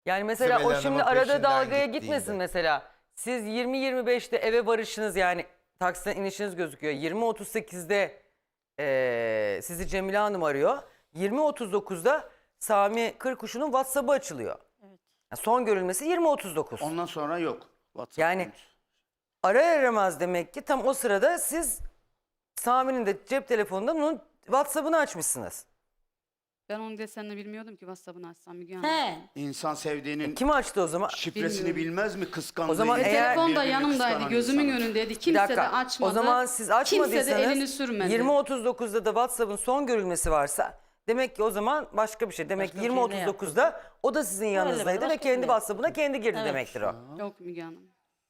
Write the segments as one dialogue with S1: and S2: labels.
S1: Yani mesela
S2: Sibel
S1: o
S2: Hanım'ın
S1: şimdi arada
S2: peşinden
S1: dalgaya
S2: gittiğinde.
S1: gitmesin mesela. Siz 20-25'te eve varışınız yani taksiden inişiniz gözüküyor. 20-38'de sizi Cemile Hanım arıyor. 20-39'da Sami Kırkuşu'nun WhatsApp'ı açılıyor.
S3: Evet.
S1: Yani son görülmesi 20-39.
S4: Ondan sonra yok. WhatsApp
S1: Yani
S4: konusu.
S1: arar aramaz demek ki tam o sırada siz Sami'nin de cep telefonunda bunun WhatsApp'ını açmışsınız.
S5: Ben onun desenini bilmiyordum ki WhatsApp'ını açsam Müge Hanım.
S3: He.
S4: İnsan sevdiğinin
S1: Kim açtı o zaman?
S4: şifresini
S5: Bilmiyorum.
S4: bilmez mi? Kıskandığı
S1: O zaman
S4: için
S1: eğer-
S5: Telefon da
S4: birbirini
S5: yanımdaydı,
S4: kıskanan
S5: gözümün
S4: insanın.
S5: önündeydi.
S1: Bir
S5: Kimse
S1: dakika.
S5: de açmadı.
S1: O zaman siz açmadıysanız
S5: Kimse de elini sürmedi.
S1: 20-39'da da WhatsApp'ın son görülmesi varsa demek ki o zaman başka bir şey. Demek ki
S3: Başka bir şey ne
S1: 20-39'da o da sizin yanınızdaydı
S3: başka
S1: ve kendi
S3: bir-
S1: WhatsApp'ına kendi girdi
S3: Evet.
S1: demektir o.
S5: Yok Müge Hanım.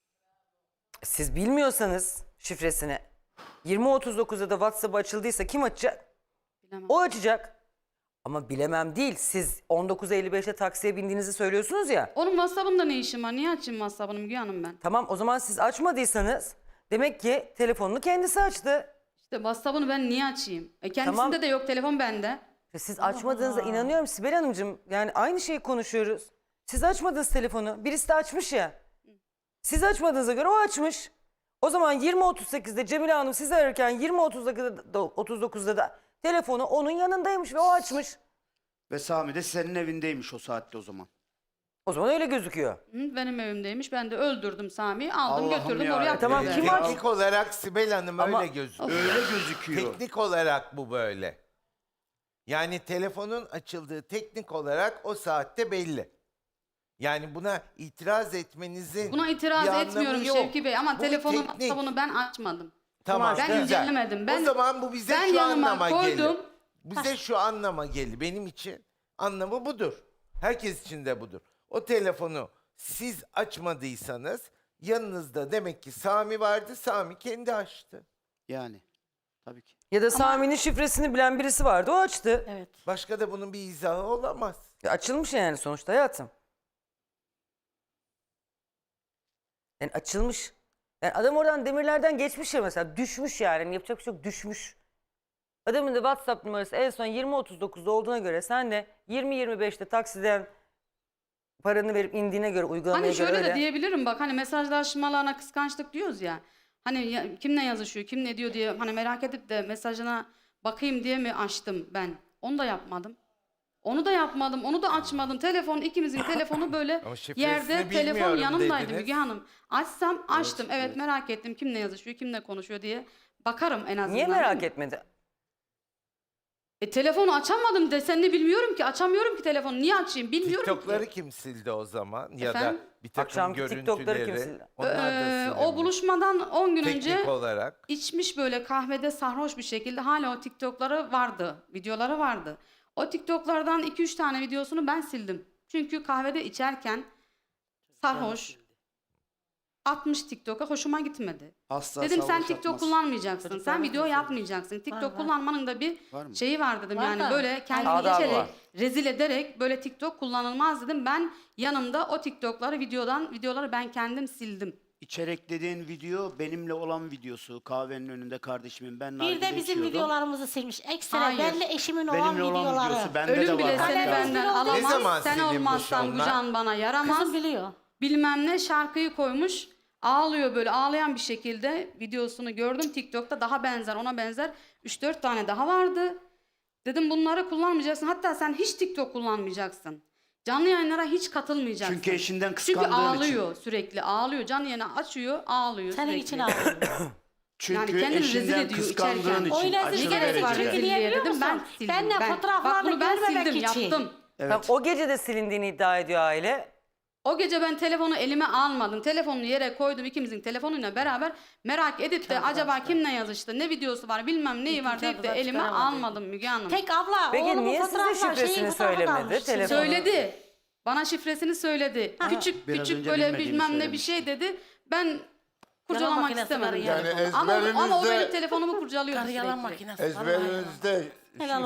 S1: Siz bilmiyorsanız şifresini 20-39'da da WhatsApp açıldıysa kim açacak?
S5: Bilemem.
S1: O açacak. Ama bilemem değil. Siz 19.55'te taksiye bindiğinizi söylüyorsunuz ya.
S5: Onun WhatsApp'ında ne işim var? Niye açayım WhatsApp'ını Müge Hanım ben?
S1: Tamam o zaman siz açmadıysanız demek ki telefonunu kendisi açtı.
S5: İşte WhatsApp'ını ben niye açayım? Kendisinde
S1: Tamam.
S5: de yok, telefon bende.
S1: Siz açmadığınıza inanıyorum Sibel Hanımcığım. Yani aynı şeyi konuşuyoruz. Siz açmadınız telefonu. Birisi de açmış ya. Siz açmadığınıza göre o açmış. O zaman 20.38'de Cemile Hanım sizi ararken 20.39'da da telefonu onun yanındaymış ve o açmış.
S4: Ve Sami de senin evindeymiş o saatte o zaman.
S1: O zaman öyle gözüküyor.
S5: Hı, benim evimdeymiş. Ben de öldürdüm Sami'yi. Aldım
S4: Allah'ım
S5: götürdüm
S4: ya.
S5: oraya
S1: Tamam,
S5: attım.
S1: kim
S5: ben.
S1: aç-
S2: Teknik olarak Sibel Hanım
S1: Ama-
S2: öyle gözüküyor.
S4: Öyle gözüküyor.
S2: Teknik olarak bu böyle. Yani telefonun açıldığı teknik olarak o saatte belli. Yani buna itiraz etmenizin
S5: Buna
S2: bir
S5: itiraz
S2: anlamı
S5: etmiyorum
S2: yok.
S5: Şevki Bey ama
S2: Bu
S5: telefonu
S2: teknik.
S5: WhatsApp'ını ben açmadım.
S2: Tamam,
S5: Ben
S2: güzel.
S5: incelemedim. Ben-
S2: o zaman bu bize
S5: ben
S2: şu
S5: yanıma
S2: anlama
S5: koydum.
S2: gelir. Bize şu anlama gelir. Benim için anlamı budur. Herkes için de budur. O telefonu siz açmadıysanız yanınızda demek ki Sami vardı. Sami kendi açtı.
S4: Yani. Tabii ki.
S1: Ya da Sami'nin şifresini bilen birisi vardı o açtı.
S3: Evet.
S2: Başka da bunun bir izahı olamaz.
S1: Açılmış yani sonuçta hayatım. Yani açılmış. Yani adam oradan demirlerden geçmiş ya mesela düşmüş yani. Yani yapacak bir şey yok düşmüş. Adamın da WhatsApp numarası en son 20.39'da olduğuna göre sen de 20-25'te taksiden paranı verip indiğine göre uygulamaya
S5: Hani şöyle
S1: göre
S5: de
S1: öyle.
S5: diyebilirim bak hani mesajlaşmalarına kıskançlık diyoruz ya. Hani kimle yazışıyor, kim ne diyor diye hani merak edip de mesajına bakayım diye mi açtım ben? Onu da yapmadım. Onu da yapmadım, onu da açmadım. Telefon ikimizin telefonu böyle
S2: Ama şifresini
S5: yerde telefon
S2: bilmiyorum
S5: yanımdaydı
S2: dediniz.
S5: Müge Hanım. Açsam açtım. Evet merak ettim kimle yazışıyor, kimle konuşuyor diye bakarım en azından.
S1: Niye merak etmedi?
S5: Telefonu açamadım desenini bilmiyorum ki. Açamıyorum ki telefonu. Niye açayım bilmiyorum
S2: TikTok'ları
S5: ki.
S2: kim sildi o zaman? Ya
S5: Efendim?
S2: da bir takım
S1: Akşamki TikTok'ları kim
S2: görüntüleri.
S1: sildi?
S2: Onlar da
S5: O
S2: silinmiş.
S5: buluşmadan 10 gün
S2: Teknik
S5: önce
S2: olarak.
S5: içmiş böyle kahvede sarhoş bir şekilde hala o TikTok'ları vardı. Videoları vardı. O TikTok'lardan 2-3 tane videosunu ben sildim. Çünkü kahvede içerken sarhoş atmış TikTok'a hoşuma gitmedi.
S4: Asla
S5: Dedim sen
S4: sarhoş
S5: TikTok
S4: yapmaz.
S5: kullanmayacaksın.
S3: Çocuklar
S5: Sen
S3: var
S5: video
S3: mı?
S5: yapmayacaksın. TikTok
S3: var.
S5: kullanmanın da bir
S4: Var mı?
S5: şeyi var dedim.
S3: Var
S5: Yani
S3: da.
S5: böyle kendini
S1: Adabı
S5: içerek
S1: var.
S5: rezil ederek böyle TikTok kullanılmaz dedim. Ben yanımda o TikTok'ları videoları ben kendim sildim.
S4: İçerik dediğin video benimle olan videosu. Kahvenin önünde kardeşimin. Ben
S3: Bir de
S4: nargile
S3: bizim
S4: içiyordum.
S3: videolarımızı silmiş. Ekstra
S5: Hayır.
S3: benle eşimin olan
S4: Benimle olan
S3: videoları.
S4: videosu bende de
S5: Ölüm
S4: var.
S5: bile seni
S4: hatta.
S5: benden
S3: Ne
S5: alamaz.
S2: zaman
S5: Sen
S2: silinmiş
S5: olmazsan bu
S2: onlar?
S5: can bana yaramaz.
S3: Kızım biliyor.
S5: Bilmem ne şarkıyı koymuş. Ağlıyor böyle ağlayan bir şekilde videosunu gördüm TikTok'ta daha benzer ona benzer 3-4 tane daha vardı. Dedim bunları kullanmayacaksın hatta sen hiç TikTok kullanmayacaksın. Canlı yayınlara hiç katılmayacaksın.
S4: Çünkü eşinden
S5: Çünkü
S4: kıskandığın
S5: ağlıyor sürekli ağlıyor canlı yayını açıyor ağlıyor
S3: Senin
S5: sürekli.
S3: için ağlıyorum.
S4: Çünkü
S5: Yani kendini rezil
S4: eşinden
S5: ediyor
S4: kıskandığın
S5: içerken.
S4: için.
S3: Öyle
S4: aşırı
S3: rezil
S5: gerek var
S4: derecede.
S3: çünkü
S5: rezilliğe
S3: niye biliyor
S5: dedim ben
S3: musun?
S5: sildim.
S3: Ben de
S5: Bak
S3: fotoğraflarını
S5: bunu ben
S3: görmemek
S5: sildim
S3: için.
S5: yaptım.
S4: Evet.
S1: Tamam, o gece de silindiğini iddia ediyor aile.
S5: O gece ben telefonu elime almadım. Telefonunu yere koydum ikimizin telefonuyla beraber. Merak edip de acaba kimle yazıştı, ne videosu var, bilmem neyi var deyip de
S3: Çantadan
S5: elime
S3: çıkaramadı.
S5: almadım Müge Hanım.
S3: Tek abla
S1: Peki
S3: oğlumun
S1: niye size
S3: fotoğraflar,
S1: şifresini
S3: şeyin fotoğrafı
S1: söylemedi?
S3: kalmış.
S1: Telefonu-
S5: Söyledi. Bana şifresini söyledi. Küçük
S4: Biraz
S5: küçük
S4: önce
S5: böyle
S4: bilmediğini
S5: bilmem ne bir
S4: söylemişti.
S5: şey dedi. Ben kurcalamak
S3: makinesi
S5: istemedim.
S3: var
S2: Yani
S3: telefonu.
S5: Ama o benim
S2: ezberinizde,
S5: telefonumu kurcalıyordu
S3: Karı yalan
S5: sürekli.
S3: makinesi. vallahi yalan.
S2: ezberinizde
S3: Helal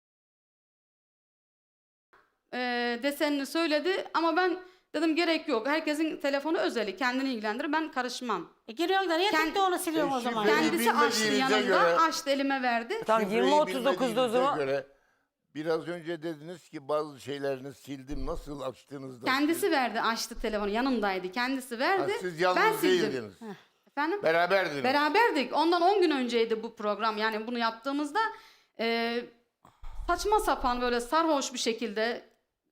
S5: Desenini söyledi ama ben dedim gerek yok. Herkesin telefonu özeli. Kendini ilgilendirir. Ben karışmam.
S3: Giriyorsun da niye
S5: Kend-
S3: tek de onu siliyorsun o zaman?
S2: Şifreyi
S5: Kendisi açtı
S2: bilmediğinize
S5: yanında.
S2: göre-
S5: Açtı elime verdi.
S1: Tamam
S2: şifreyi
S1: 20.39'da o
S2: bilmediğinize
S1: zaman
S2: göre
S6: Biraz önce dediniz ki bazı şeylerini sildim. Nasıl açtığınızda?
S5: Kendisi verdi, açtı telefonu. Yanımdaydı. Kendisi verdi.
S6: Siz
S5: ben
S6: yalnız
S5: sildim.
S6: değildiniz.
S5: Efendim?
S6: Beraberdiniz.
S5: Beraberdik. Ondan 10 gün önceydi bu program. Yani bunu yaptığımızda saçma sapan böyle sarhoş bir şekilde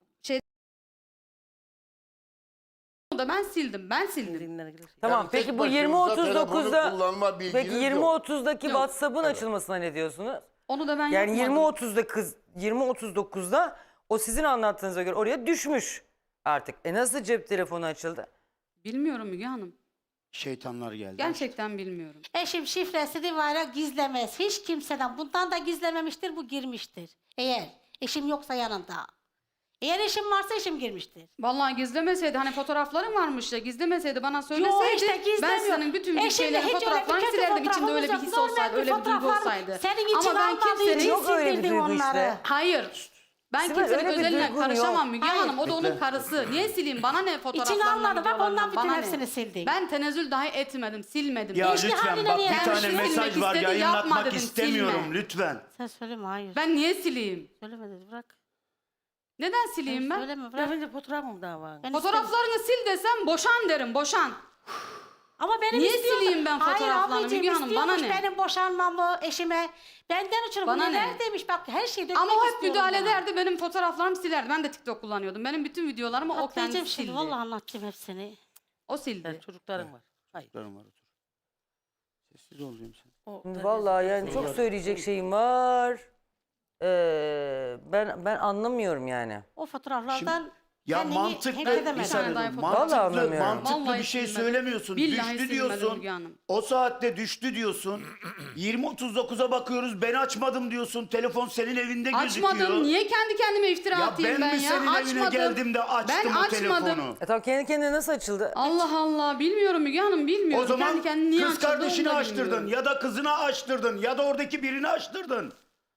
S5: da ben sildim. Ben sildim.
S1: Tamam
S6: Yani
S1: peki
S6: tek
S1: bu
S6: başınıza telefonu
S1: 20.39'da
S6: kullanma bilginiz
S1: peki
S6: yok.
S1: 20.30'daki
S5: Yok.
S1: WhatsApp'ın açılmasına ne diyorsunuz?
S5: Onu da ben
S1: Yani
S5: yapmadım.
S1: 20.39'da o sizin anlattığınıza göre oraya düşmüş artık. Nasıl cep telefonu açıldı?
S5: Bilmiyorum Müge Hanım.
S4: Şeytanlar geldi.
S5: Gerçekten bilmiyorum.
S3: Eşim şifresini var ya gizlemez. Hiç kimseden. Bundan da gizlememiştir. Bu girmiştir. Eğer eşim yoksa yanında. Eğer eşim varsa eşim girmiştir.
S5: Vallahi gizlemeseydi hani fotoğrafların varmış ya gizlemeseydi bana
S3: Yo
S5: söyleseydi
S3: işte
S5: ben
S3: gizlemiyor.
S5: senin bütün
S3: Eşimle
S5: şeylerin
S3: hiç öyle bir
S5: fotoğraflarını
S3: kötü
S5: silerdim içinde
S3: fotoğrafımız
S5: öyle bir
S3: yok.
S5: his
S3: Normal
S5: olsaydı öyle bir duygu
S3: fotoğraflar
S5: olsaydı.
S3: senin için
S5: Ama ben
S3: almadığı için
S5: kimsenin
S1: Yok öyle bir
S3: sildirdim
S1: duygu
S3: onları.
S1: işte.
S5: hayır. Ben
S1: Sibel,
S5: kimsenin
S1: öyle bir
S5: özeline
S1: duygun
S5: karışamam
S1: yok.
S5: Müge
S3: Hayır.
S5: Hanım. O da onun karısı. Niye sileyim? Bana ne fotoğraflarından
S3: almadı. Bak ondan
S5: videolarından,
S3: bütün
S5: bana
S3: hepsini
S5: ne?
S3: sildik.
S5: Ben tenezzül dahi etmedim. Silmedim.
S4: Ya
S3: Eşli
S4: lütfen
S3: haline
S4: bak
S3: niye
S4: bir tane
S3: vermişsin?
S4: mesaj
S5: Silmek
S4: var
S5: istedi, yapma
S4: yayınlatmak
S5: dedim,
S4: istemiyorum
S5: silme.
S4: lütfen.
S3: Sen söyleme hayır.
S5: Ben niye sileyim?
S3: Söyleme dedi bırak.
S5: Neden sileyim ben?
S3: Söyleme bırak.
S7: Önce fotoğrafım daha var.
S3: Ben
S5: Fotoğraflarını sil desem boşan derim. Boşan.
S3: Ama benim
S5: Niye
S3: istiyordu.
S5: sileyim ben fotoğraflarını
S3: Hayır ablacığım
S5: Müge Hanım, bana
S3: istiyormuş
S5: ne?
S3: benim boşanmamı eşime. Benden ötürü
S5: Bana
S3: bu
S5: ne?
S3: neler demiş bak her şeyi dökmek
S5: Ama o hep
S3: istiyorum
S5: müdahale
S3: bana.
S5: ederdi. Benim fotoğraflarımı silerdi. Ben de TikTok kullanıyordum. Benim bütün videolarımı o
S3: Atlayacağım
S5: kendisi
S3: şimdi
S5: sildi.
S3: vallahi anlatacağım hepsini.
S5: O sildi.
S7: Yani çocuklarım var. Hayır.
S4: Çocuklarım var, otur. Sessiz ol diyorum sen.
S7: O,
S1: Vallahi yani çok söyleyecek şeyim var. Ben anlamıyorum yani.
S3: O fotoğraflardan
S4: Ya
S3: kendini
S4: mantıklı
S3: hack edemedin.
S4: bir saniye
S5: Vallahi
S4: dur.
S1: anlamıyorum.
S4: mantıklı
S5: Vallahi
S4: bir şey
S5: silmedim.
S4: söylemiyorsun.
S5: Billahi
S4: Düştü
S5: silmedim
S4: diyorsun.
S5: Müge Hanım.
S4: O saatte düştü diyorsun. 20.39'a bakıyoruz. Ben açmadım diyorsun. Telefon senin evinde gözüküyor.
S5: Açmadım. Niye kendi kendime iftira
S4: Ya
S5: atayım
S4: ben
S5: ben
S4: mi
S5: ya?
S4: senin evine
S5: Açmadım.
S4: geldim de açtım
S5: Ben
S4: o
S5: açmadım.
S4: telefonu?
S1: Tamam kendi kendine nasıl açıldı?
S5: Allah Allah. Bilmiyorum Müge Hanım. Bilmiyorum.
S4: O zaman
S5: kendi kendine niye
S4: kız
S5: açıldığını
S4: kardeşini
S5: da
S4: açtırdın
S5: bilmiyorum.
S4: ya da kızına açtırdın ya da oradaki birini açtırdın.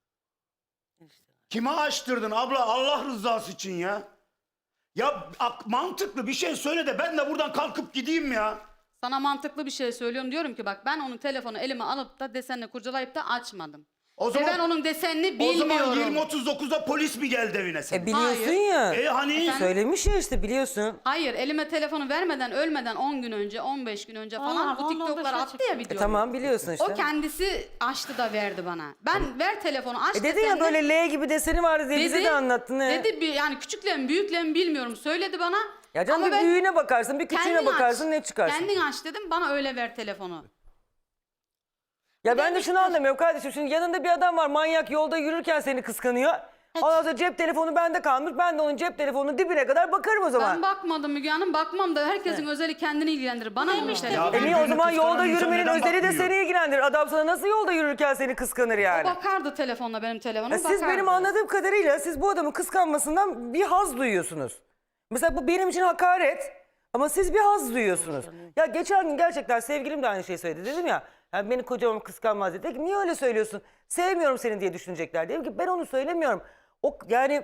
S4: Kime açtırdın abla Allah rızası için ya? Ya mantıklı bir şey söyle de ben de buradan kalkıp gideyim ya.
S5: Sana mantıklı bir şey söylüyorum. Diyorum ki bak ben onun telefonu elime alıp da desenle kurcalayıp da açmadım.
S4: O
S5: Ve
S4: zaman
S5: ben onun desenini
S4: o
S5: bilmiyorum.
S4: zaman 20.39'da polis mi geldi evine senin?
S1: Biliyorsun
S5: Hayır.
S1: ya.
S4: Hani
S1: Söylemiş ya işte biliyorsun.
S5: Hayır elime telefonu vermeden ölmeden 10 gün önce 15 gün önce falan
S3: Allah,
S5: bu
S3: 10-15
S5: TikTok'lara attı ya video.
S1: Tamam biliyorsun işte.
S5: O kendisi açtı da verdi bana. Ben ver telefonu aç
S1: Dedin ya
S5: desenle-
S1: böyle L gibi deseni vardı diye bize de anlattın.
S5: Dedi bir yani küçükle mi büyükle mi bilmiyorum söyledi bana.
S1: Ya canım
S5: Ama
S1: bir
S5: ben-
S1: büyüğüne bakarsın bir küçüğüne
S5: Kendin
S1: bakarsın
S5: aç.
S1: ne çıkarsın.
S5: Kendin aç dedim bana öyle ver telefonu.
S1: Ya ben de şunu anlamıyorum kardeşim. Şimdi yanında bir adam var manyak yolda yürürken seni kıskanıyor. Ondan sonra cep telefonu bende kalmış. Ben de onun cep telefonunun dibine kadar bakarım o zaman.
S5: Ben bakmadım Müge Hanım bakmam da herkesin özeli kendini ilgilendirir. Bana ne işte.
S4: Ya
S1: Niye o
S4: birbirini
S1: zaman
S4: kıskanan
S1: yolda
S4: insan
S1: yürümenin
S4: neden
S1: özeli de
S4: bakmıyor?
S1: seni ilgilendirir. Adam sana nasıl yolda yürürken seni kıskanır yani?
S5: Bakardı telefonla benim telefonuma
S1: Siz benim anladığım kadarıyla siz bu adamın kıskanmasından bir haz duyuyorsunuz. Mesela bu benim için hakaret ama siz bir haz duyuyorsunuz. Ya geçen gün gerçekten sevgilim de aynı şeyi söyledi dedim ya. Yani beni kocam kıskanmaz dedi. Dedi ki, niye öyle söylüyorsun? Sevmiyorum seni diye düşünecekler. Dedim ki ben onu söylemiyorum. O yani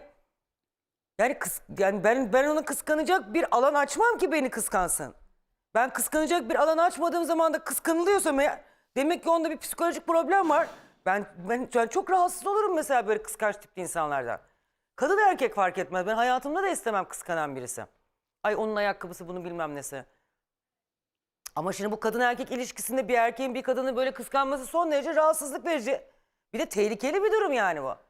S1: ben onu kıskanacak bir alan açmam ki beni kıskansın. Ben kıskanacak bir alan açmadığım zaman da kıskanılıyorsam eğer demek ki onda bir psikolojik problem var. Ben yani çok rahatsız olurum mesela böyle kıskanç tipli insanlardan. Kadın erkek fark etmez. Ben hayatımda da istemem kıskanan birisi. Ay onun ayakkabısı bunu bilmem nesi. Ama şimdi bu kadın erkek ilişkisinde bir erkeğin bir kadını böyle kıskanması son derece rahatsızlık verici. Bir de tehlikeli bir durum yani bu.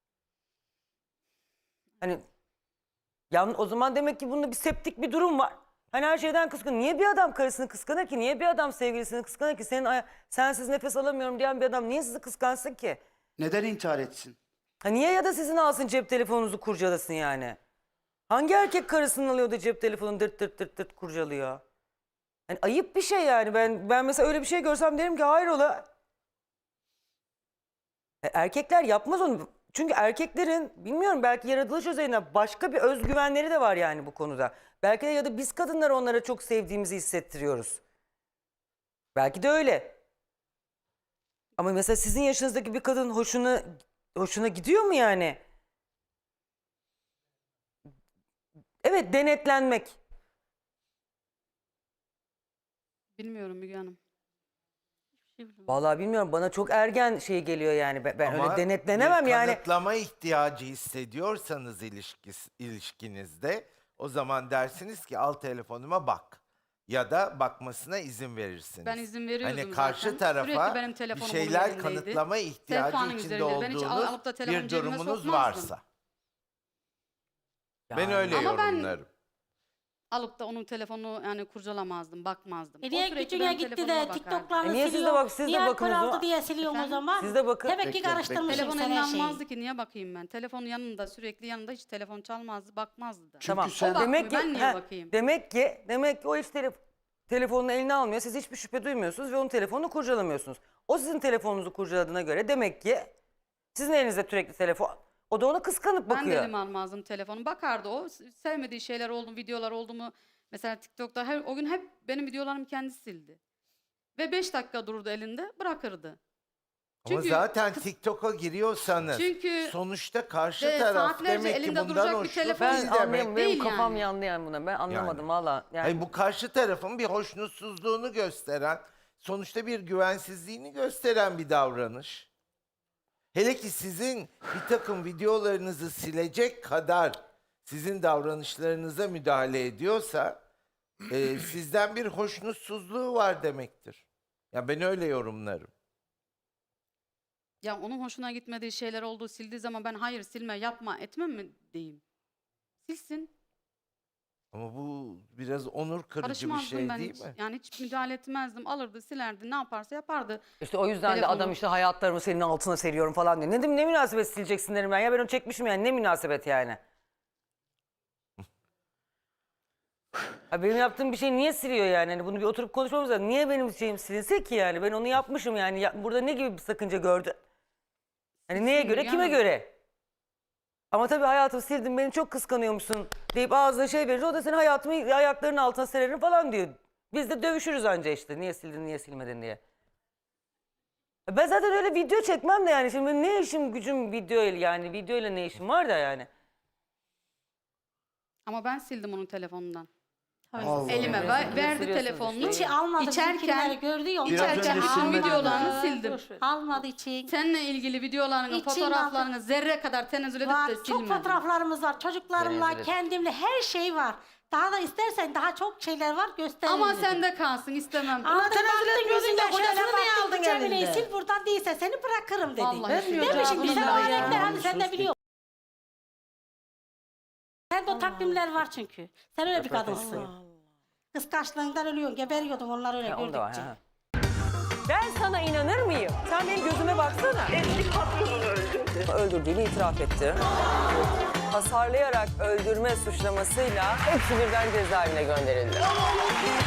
S1: Hani o zaman demek ki bunda bir septik bir durum var. Hani her şeyden kıskanır. Niye bir adam karısını kıskanır ki? Niye bir adam sevgilisini kıskanır ki? Sensiz nefes alamıyorum diyen bir adam niye sizi kıskansın ki?
S4: Neden intihar etsin?
S1: Ha niye ya da sizin alsın cep telefonunuzu kurcalasın yani? Hangi erkek karısının alıyor da cep telefonunu dırt dırt dırt dırt kurcalıyor? Yani ayıp bir şey yani. Ben mesela öyle bir şey görsem derim ki hayrola. Erkekler yapmaz onu. Çünkü erkeklerin bilmiyorum belki yaratılış özelliğinden başka bir özgüvenleri de var yani bu konuda. Belki de ya da biz kadınlar onlara çok sevdiğimizi hissettiriyoruz. Belki de öyle. Ama mesela sizin yaşınızdaki bir kadın hoşuna gidiyor mu yani? Evet denetlenmek.
S5: Bilmiyorum Müge Hanım.
S1: Vallahi bilmiyorum, bana çok ergen şey geliyor yani. Ben
S2: Ama
S1: öyle denetlenemem
S2: bir
S1: yani.
S2: kanıtlama ihtiyacı hissediyorsanız ilişkinizde o zaman dersiniz ki al telefonuma bak. Ya da bakmasına izin verirsiniz.
S5: Ben izin veriyordum
S2: Hani karşı
S5: zaten.
S2: tarafa
S5: Sürekli benim
S2: bir
S5: telefonum
S2: şeyler
S5: onun elindeydi.
S2: kanıtlama ihtiyacı
S5: Sehpanın
S2: içinde
S5: üzerinde. Ben hiç
S2: olduğunuz
S5: alıp da telefonu
S2: bir
S5: cebime
S2: durumunuz
S5: sokmazdım.
S2: varsa. Ben
S1: Yani.
S2: öyle
S5: Ama ben-
S2: yorumlarım.
S5: Alıp da onun telefonunu yani kurcalamazdım, bakmazdım. O
S3: Niye
S5: sürekli
S3: gücüne
S5: benim
S3: gitti
S5: telefonuma
S3: de
S5: bakardı.
S3: TikTok'larını
S1: niye siz de
S3: siliyor?
S1: bak- siz de
S3: niye
S1: bakın o
S3: alkol aldı
S1: zaman?
S3: diye siliyorum o
S5: Efendim?
S3: zaman?
S1: Siz de bakın.
S3: Demek ki
S6: Bekle,
S3: karıştırmışım
S5: Telefon
S3: sen
S5: eline
S3: her şeyi.
S5: almazdı ki, niye bakayım ben? Telefonu yanında, sürekli yanında, hiç telefon çalmazdı, bakmazdı da.
S1: Tamam.
S4: sen-
S5: O bakmıyor,
S1: demek ki
S5: ben niye
S1: heh,
S5: bakayım?
S1: demek ki o hiç telefonunu eline almıyor. Siz hiçbir şüphe duymuyorsunuz ve onun telefonunu kurcalamıyorsunuz. O sizin telefonunuzu kurcaladığına göre demek ki sizin elinizde sürekli telefon. O da ona kıskanıp
S5: Ben de
S1: bakıyor.
S5: elime almazdım telefonu. Bakardı o. Sevmediği şeyler oldu mu, videolar oldu mu? Mesela TikTok'ta o gün hep benim videolarımı kendisi sildi. Ve 5 dakika dururdu elinde, bırakırdı.
S2: Ama
S5: Çünkü
S2: zaten TikTok'a giriyorsanız
S5: Çünkü
S2: sonuçta karşı
S5: de
S2: taraf
S5: saatlerce
S2: demek ki
S5: elinde
S2: bundan
S5: duracak bir
S2: hoşnut
S5: telefon
S1: Ben
S2: değil
S5: almıyorum,
S2: demek.
S1: anlayamam. Benim
S5: değil
S1: kafam
S5: yani.
S1: yandı yani buna. Ben anlamadım
S2: Yani.
S1: valla. Yani.
S2: Hayır, bu karşı tarafın bir hoşnutsuzluğunu gösteren, sonuçta bir güvensizliğini gösteren bir davranış. Hele ki sizin bir takım videolarınızı silecek kadar sizin davranışlarınıza müdahale ediyorsa sizden bir hoşnutsuzluğu var demektir. Ya ben öyle yorumlarım.
S5: ya onun hoşuna gitmediği şeyler olduğu, sildiği zaman ben hayır silme, yapma, etmem mi diyeyim? Silsin.
S2: Ama bu biraz onur kırıcı bir
S5: Karışmazdım
S2: şey
S5: ben
S2: değil
S5: hiç.
S2: mi?
S5: Yani hiç müdahale etmezdim. Alırdı, silerdi, ne yaparsa yapardı.
S1: İşte o yüzden de
S5: Telefonu-
S1: adam işte hayatlarımı senin altına seriyorum falan diyor. Ne dedim, ne münasebet sileceksin derim ben. Ya ben onu çekmişim yani, ne münasebet yani. Ha, benim yaptığım bir şey niye siliyor yani? Hani bunu bir oturup konuşmamız lazım. Niye benim şeyim silinse ki yani? Ben onu yapmışım yani. Burada ne gibi bir sakınca gördü? Hani neye göre,
S5: Müge
S1: kime
S5: Hanım.
S1: göre? Ama tabii hayatımı sildin, beni çok kıskanıyormuşsun deyip ağzına şey verir. O da senin hayatımı ayaklarının altına sererim falan diyor. Biz de dövüşürüz anca işte. Niye sildin, niye silmedin diye. Ben zaten öyle video çekmem de yani. Şimdi benim ne işim gücüm video ile yani. Video ile ne işim var da yani.
S5: Ama ben sildim onun telefonundan.
S3: Allah.
S5: Elime
S1: Allah.
S5: verdi
S1: Siliyorsunuz
S5: telefonunu.
S3: Hiç almadı
S5: İçerken-
S3: bizimkileri gördü ya.
S4: Biraz önce
S5: İçerken bütün
S4: silmedi.
S5: videolarını sildim.
S3: Almadı için.
S5: Seninle ilgili videolarını,
S3: İçin
S5: fotoğraflarını zerre kadar tenezzül edip
S3: Var.
S5: de
S3: Çok
S5: silmedim.
S3: fotoğraflarımız var. Çocuklarımla,
S1: Rezil et.
S3: kendimle her şey var. Daha da istersen daha çok şeyler var gösteririm.
S5: Ama
S3: dedim.
S5: sende kalsın, istemem.
S3: Aldın
S7: tenezzül
S3: baktın
S7: etmiyorsun
S3: gözünde
S7: da kocasını
S3: şöyle
S7: niye
S3: baktın
S7: aldın
S3: Cemile'yi
S7: elinde?
S3: sil buradan değilse seni bırakırım dedi.
S5: Vallahi
S7: Vermiyor
S3: Değil mi
S7: cevabını
S3: şimdi? Sen o
S7: da ya.
S3: örnekler hani sen de
S4: Sus.
S3: biliyorsun. Sende o takvimler var çünkü. Sen öyle bir kadınsın.
S7: Allah Allah.
S3: Kıskançlığından ölüyorsun. Geberiyordun onlar öyle
S1: Ha, o da var,
S3: gördükçe.
S1: ha. Ben sana inanır mıyım? Sen benim gözüme baksana.
S8: Eski patronunu öldürdü.
S1: Öldürdüğünü itiraf etti. Hasarlayarak öldürme suçlamasıyla hepsi birden cezaevine gönderildi.